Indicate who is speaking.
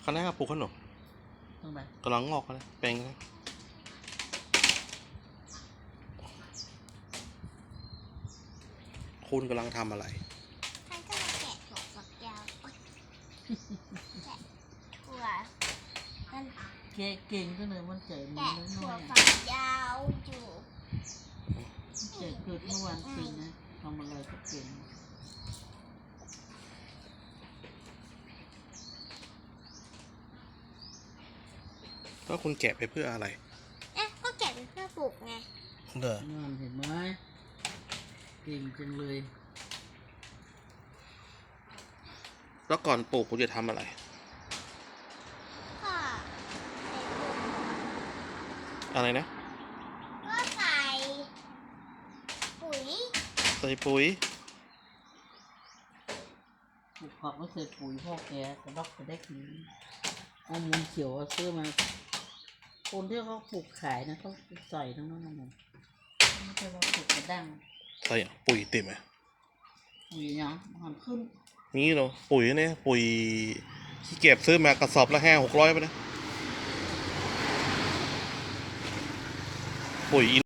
Speaker 1: คะน้าปลูกขนม
Speaker 2: ตรงไหน
Speaker 1: กำลังงอกนะแปลงนะคุณกำลังทำอะไร
Speaker 3: ท่านก็มาแกะถั่วฝักยาวโอ๊ยแกะถั่วมัน
Speaker 2: เก่งก็เลยมันเจ๋ง
Speaker 3: แกะ
Speaker 2: น้
Speaker 3: ถั่ว
Speaker 2: อย
Speaker 3: ฝักยาวอยู่
Speaker 2: ๆเจ๋งเกิดเมื่อวานจริงนะทำอะไรก็เก่ง
Speaker 1: แล้วคุณแกะไปเพื่ออะไร
Speaker 3: ก็แกะเป็นเพื่อปลูกไง
Speaker 1: เด้อ
Speaker 2: นั่นเห็นไหมเก่งจังเลย
Speaker 1: แล้วก่อนปลูกคุณจะทำอะไร
Speaker 3: ก็ใส่ปุ๋ย
Speaker 1: อะไรนะ
Speaker 3: ก็ใส่ปุ๋ย
Speaker 1: ใส่ปุ๋ย
Speaker 2: ปลูกผักไม่ใส่ปุ๋ยพ่อแกกระดอกกระแดกนี้เอามูลเขียวเอาซื้อมา คนที่เขาปลูกขายนะเขาใส่ทั้งนั้นนะมันไม่ใช่ว่าปลูกกระดัง
Speaker 1: ใส่ปุ๋ยติดไหม
Speaker 2: ปุ๋ยเนาะมันขึ้น
Speaker 1: นี่เหรอปุ๋ยเนี่ยปุ๋ยที่เก็บซื้อมากระสอบละ500-600ไปนะปุ๋ย